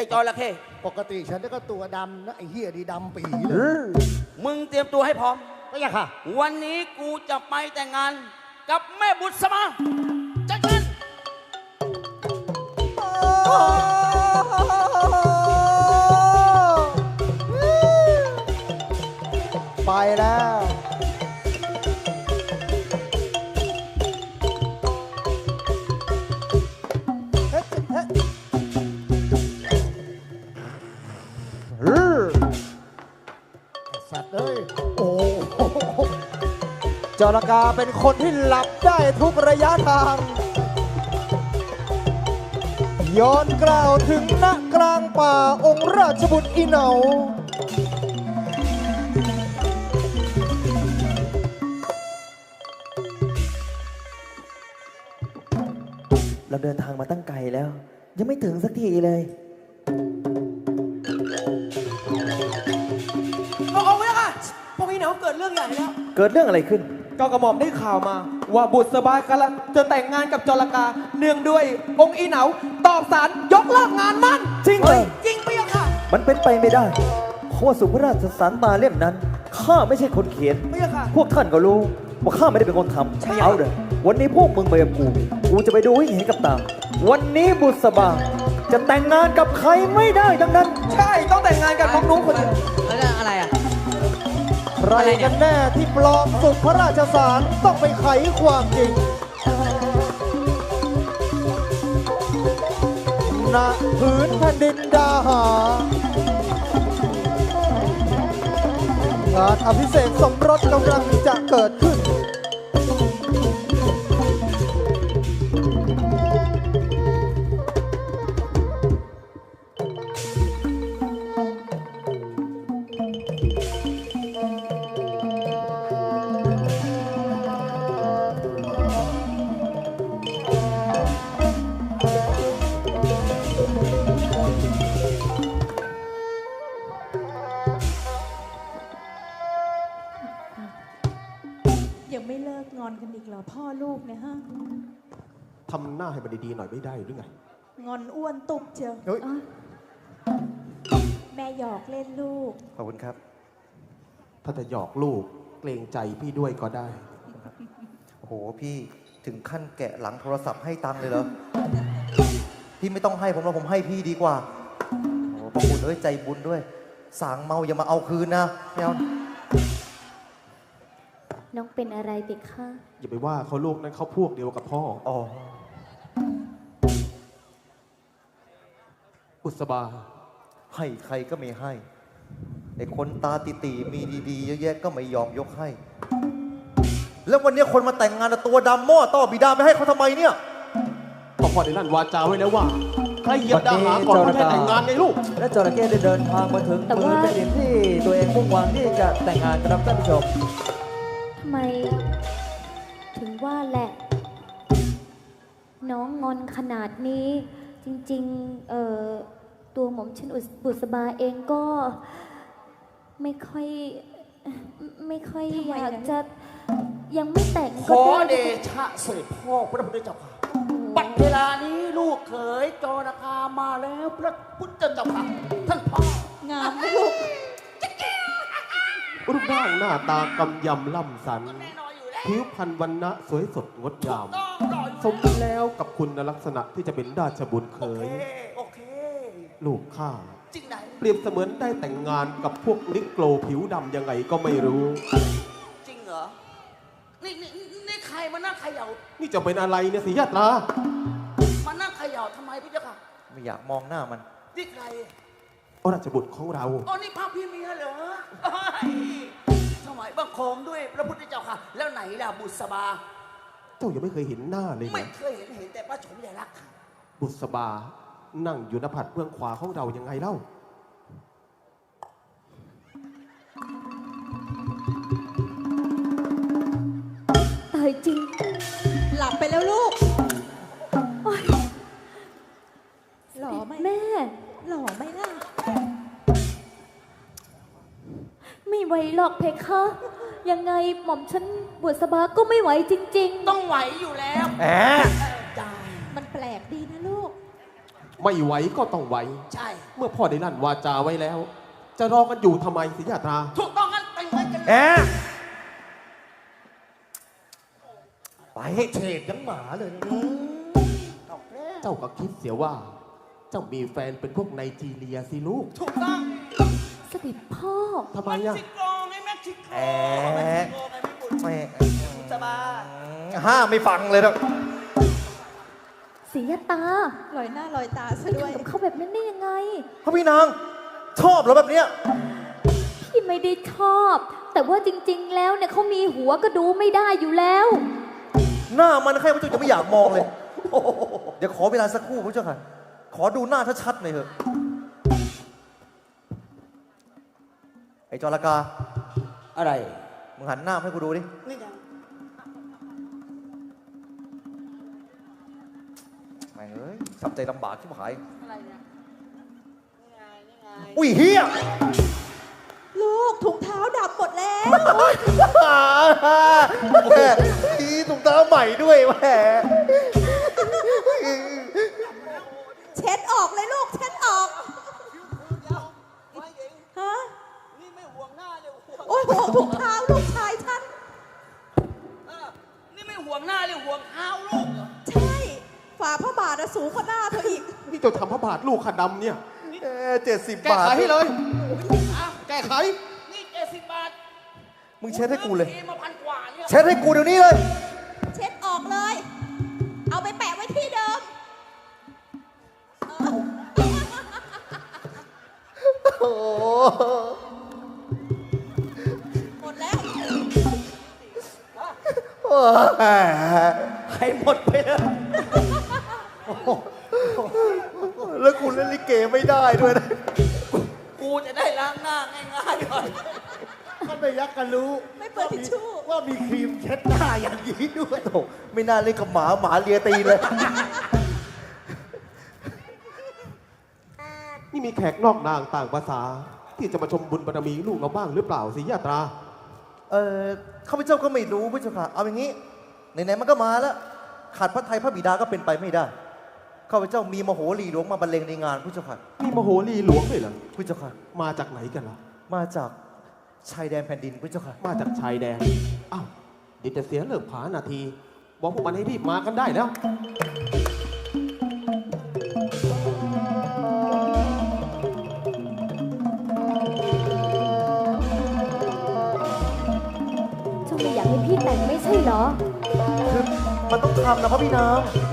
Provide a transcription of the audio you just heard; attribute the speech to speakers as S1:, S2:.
S1: อ้จระเข้
S2: ปกติฉันก็ตัวดำนะไอ้เหี้ยดีดำปีเลย
S1: มึงเตรียมตัวให้พร้อม
S2: ไม่ยากค่ะ
S1: วันนี้กูจะไปแต่งงานกับแม่บุษมาจัดการ
S2: ไปแล้วสัตว์เอ้ยโอ้จรกาเป็นคนที่หลับได้ทุกระยะทางย้อนกล่าวถึงณกลางป่าองค์ราชบุตรอีเหนา
S3: เราเดินทางมาตั้งไกลแล้ว ยังไม่ถึงสักทีเลย
S4: เอาไว้ค่ะพวกพี่เหนาเกิดเรื่องใหญ่แล้ว
S3: เกิดเรื่องอะไรขึ้น
S4: ก็กระหม่อมได้ข่าวมา ว่าบุษบากำลังจะแต่งงานกับจรกาเนื่องด้วยองค์อีเหนาตอบสารยกเลิกงานมั่น
S3: จริงเหรอ
S4: จริงพี่ค่ะ
S3: มันเป็นไปไม่ได้เพราะว่าสุภราชสารมาเล่มนั้นข้าไม่ใช่คนเขียน
S4: พี่ค่ะ
S3: พวกท่านก็รู้ว่าข้าไม่ได้เป็นคนทำเอาเด้อวันนี้พวกมึงไปกับกูจะไปดูให้เห็นกับตาวันนี้บุษบาจะแต่งงานกับใครไม่ได้ดังนั้น
S4: ใช่ต้องแต่งงานกับน้องนุ้งคนเดียว
S1: แล้วอะไรอ่ะ
S2: ใครกันแน่ที่ปลอมสุขพระราชสารต้องไปไขความจริงณพื้นแผ่นดินดาหางานอภิเษกสมรสกำลังจะเกิดขึ้น
S5: ยังไม่เลิกงอนกันอีกเหรอพ่อลูกเนี่ยฮะ
S6: ทำหน้าให้มันดีๆหน่อยไม่ได้หรือไง
S5: งอนอ้วนตุบเชียว
S2: เฮ้ย
S5: อ๊ะแม่หยอกเล่นลูก
S3: ขอบคุณครับ
S6: ถ้าจะหยอกลูกเกรงใจพี่ด้วยก็ได้
S3: โอ้โหพี่ถึงขั้นแกะหลังโทรศัพท์ให้ตังค์เลยเหรอ พี่ไม่ต้องให้ผมแล้วผมให้พี่ดีกว่าโอ้โหพระคุณเอ้ยใจบุญด้วย สางเมาอย่ามาเอาคืนนะไม่เอา
S7: น้องเป็นอะไรเด็กคะ
S6: อย่าไปว่าเขาลูกนั้นเขาพวกเดียวกับพ่อ
S3: อ๋อ
S6: อุศบา
S3: ให้ใครก็ไม่ให้ไอ้คนตาตีๆมีดีๆเยอะแยะก็ไม่ยอมยกให้ แล้ววันนี้คนมาแต่งงานตัวดำหม้อต้อบิดาไม่ให้เขาทำไมเนี่ย
S6: พ่อได้ลั่นวาจาไว้แล้วว่าใครเหยียบดาหาก่อนไม่ให้แต่งงานไงลูก
S3: และจระเข้ได้เดินทางมาถึงมือเป็นดินที่ตัวเองมุ่งหวังที่จะแต่งงานกับท่านผู้ชม
S7: ทำไม ถึงว่าแหละ น้องงอนขนาดนี้ จริงๆตัวหม่อมชันบุษบาเองก็ ไม่ค่อยอยากจะยังไม่แต่ง
S1: ข
S7: ก็
S1: อ
S7: ได้
S1: เดชะเสด็จพ่อพระพุทธเจ้าค่ะบัดเวลานี้ลูกเขยจรคามาแล้วพระพุทธเจ้าค่ะท่านพ่อง
S5: ามไหมลูก
S6: รูปร่างหน้าตากำยำล่ำสัน
S1: แน่นอนอยู่แล้ว
S6: ผิวพรรณวรรณะสวยสดงดงาม
S1: ต้องรออยู่
S6: สมแล้วกับคุณลักษณะที่จะเป็นราชบุตรเข
S1: โอเค
S6: ย
S1: โอเค
S6: ลูกข้า
S1: จริงไหน
S6: เปรียบเสมือนได้แต่งงานกับพวกนิโกรผิวดำยังไงก็ไม่รู้
S1: จริงเหรอนี่ใครมานั่งเขย่า
S6: นี่จะเป็นอะไรเนี่ยสิยาตรา
S1: มานั่งเขย่าทำไมพี่เจ้าค่ะ
S3: ไม่อยากมองหน้ามัน
S1: นี่ใคร
S6: ราชบุตรของเรา
S1: อ๋อนี่พระพี่เมียเหรอเอ้ยถวายบังคมด้วยพระพุทธเจ้าค่ะ แล้วไหนล่ะบุษบา
S6: เจ้ายังไม่เคยเห็นหน้าเลย
S1: ไม่
S6: นะ
S1: เคยเห็นแต่พระชมใหญ่รักค่ะ
S6: บุษบา นั่งอยู่หน้าผัดเบื้องขวาของเรายังไงเล่า
S7: ตายจริง
S5: หลับไปแล้วลูกหล่อไหม
S7: แม่
S5: หล่อไหมล่ะ
S7: ไม่ไหวหรอกเพคะ ยังไงหม่อมฉันบุษบาก็ไม่ไหวจริง
S1: ต้องไหวอยู่แล้ว
S3: แหม
S1: จ้า
S5: มันแปลกดีนะลูก
S6: ไม่ไหวก็ต้องไหว
S1: ใช่
S6: เมื่อพ่อได้ลั่นวาจาไว้แล้ว จะรอกันอยู่ทำไมสิยาตรา
S1: ถูกต้องงั้นแต่งงานกัน
S3: แอะไป
S1: เฉดยังหมาเลยนะเอาแล้ว
S6: เจ้าก็คิดเสียว่า เจ้ามีแฟนเป็นพวกไนจีเรียสิลูก
S1: ถูกต้อง
S7: เสด็จพ่อ
S6: ทำไม
S1: เม็ก
S6: อ่ะ
S1: ซิโกไงเม็กซิโก
S3: แอะ
S1: เม็กซิโกไงไม่บุญ
S3: แม่
S1: สบาย
S3: ห้ามไม่ฟังเลยนะ
S7: ศรียตา
S5: ลอยหน้าลอยตาซะ
S7: ไม่
S5: ด้วย
S7: ทำกับเขาแบบนั้นได้ยังไง
S3: พระพี่นางชอบเหรอแบบเนี้ย
S7: พี่ไม่ได้ชอบ แต่ว่าจริง ๆ แล้วเนี่ยเขามีหัวก็ดูไม่ได้อยู่แล้ว
S3: หน้ามันใครพระเจ้าจะไม่อยากมองเลยเดี๋ยวขอเวลาสักครู่พระเจ้าค่ะ ขอดูหน้าชัดๆหน่อยเถอะไอ้จรกา
S1: อะไร
S3: มึงหันหน้ามาให้กูดูดิ
S1: นี่ไง
S3: แม่งเอ้ยทำใจลำบากที่หาย
S1: อะไรเนี่ยนี่ไงนี่ไง
S3: อุ้ยเฮีย
S5: ลูกถุงเท้าดำหมดแล้ว
S3: แม่ทีถุงเท้าใหม่ด้วยแม่
S5: เช็ดออกเลยลูก เช็ดออก
S1: ไม่เอง
S5: ฮะ
S1: นี่ไม่ห่วงหน้าเลยห่วง
S5: โอ้ยห่วงถุงเท้าลูกชายฉัน
S1: เออนี่ไม่ห่วงหน้าเลยห่วงเท้าลูกเหรอ
S5: ใช่ ฝ่าพระบาทอะสูงกว่าหน้าเธออีก
S6: นี่เจ้าทำพระบาทลูกขัดดำเนี่ย
S3: 70
S6: แก้
S3: บาท
S6: ไขให้เลย
S1: อ้าว
S6: แก้ไข
S1: นี่70 บาท
S3: มึงเช็ดให้กูเลย
S1: ซื้อมา1,000 กว่าเนี่ย
S3: เช็ดให้กูเดี๋ยวนี้เลย
S5: เช็ดออกเลย เอาไปแปะไว้ที่เดิม
S3: โอ้โห
S5: หมดแล้ว
S1: ให้หมดไปเลย
S3: แล้วกูเล่นลิเกไม่ได้ด้วยนะ
S1: กูจะได้ล้างหน้าง่ายๆหน่อย
S2: ท่านไม่ยักกันรู้
S5: ไม่เปิดทิชชู่
S2: ว่ามีครีมเช็ดหน้าอย่างนี้ด้วย
S3: โอ้ไม่น่าเล่นกับหมาหมาเลียตีนเลย
S6: นี่มีแขกนอกนางต่างภาษา ที่จะมาชมบุญบารมีลูกเราบ้างหรือเปล่าสิยาตรา
S3: ข้าพเจ้าก็ไม่รู้พระเจ้าค่ะ เอาอย่างนี้ ไหนๆมันก็มาแล้ว ขาดพระไทยพระบิดาก็เป็นไปไม่ได้ ข้าพเจ้ามีมโหรีหลวงมาบรรเลงในงานพระเจ้าค่ะ
S6: มีมโหรีหลวงเลยเหรอ
S3: พระเจ้าค่ะ
S6: มาจากไหนกันล่ะ
S3: มาจากชายแดนแผ่นดินพระเจ้าค่ะ
S6: มาจากชายแดน อ้าว เดี๋ยวจะเสียเลิกผานาที บอกพวกมันให้รีบมากันได้แล้ว
S7: เจ้าไม่อยากให้พี่แต่งไม่ใช่เหรอ
S3: คือมันต้องทำนะพระพี่นาง